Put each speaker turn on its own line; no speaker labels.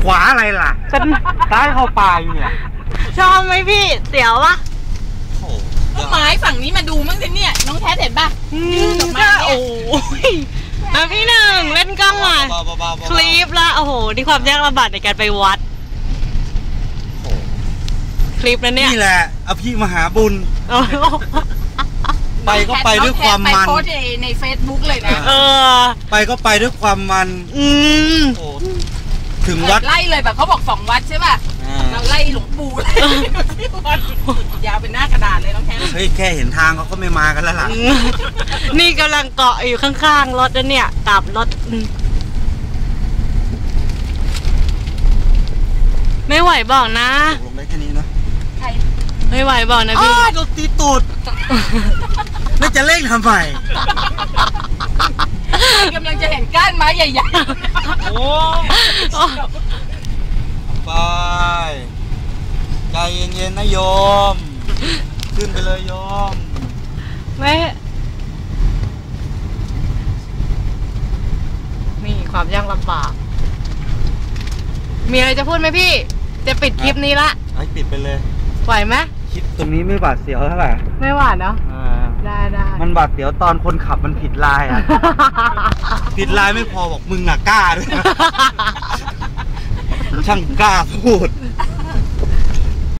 ขวาอะไรล่ะฉันซ้ายเข้าป่าอยู่เนี่ย
ชอบไหมพี่เสียววะ
ต้นไม้ฝั่งนี้มาดูมั้งสิเนี่ยน้องแท้เห็นป่ะ
ก็โอ้ยมาพี่หนึ่งเล่นกล้องมาคลิปละโอ้โหนี่ความยากลำบากในการไปวัดคลิปนั้นเนี่ย
นี่แหละอภิมหาบุญไปก็ไปด้วยความมัน
ไปโพสใน Facebook เลยนะ
ไปก็ไปด้วยความมันถึงวัด
ไล่เลยแบบเขาบอก2 วัดใช่ป่ะเราไล่หลวงปู่เลยยาวเป็นหน้ากระดาษเลยน้องแท้
เฮ้ยแค่เห็นทางเขาก็ไม่มากันแล้วล่ะ
นี่กำลังเกาะอยู่ข้างๆรถแล้วเนี่ยกลับรถไม่ไหวบอกนะ
ลงได้แค่นี้นะ
ไม่ไหวบอกนะพี่
โดนตีตูดแล้วจะเร่งทำไม
กำลังจะเห็นก้านไม้ใหญ่ๆ
โอ้ไปใจเย็นๆนะโยมขึ้นไปเลยโยม
ไม่นี่ความยากลำบากมีอะไรจะพูดไหมพี่จะปิดคลิปนี้ละ
ให้ปิดไปเลย
ไหวไหม
คลิปตรงนี้ไม่บาดเสียวเท่าไหร่
ไม่หวาดเนาะได้
มันบาดเสียวตอนคนขับมันผิดลายอ่ะผิดลายไม่พอบอกมึงอ่ะกล้าด้วยช่างกล้าพูด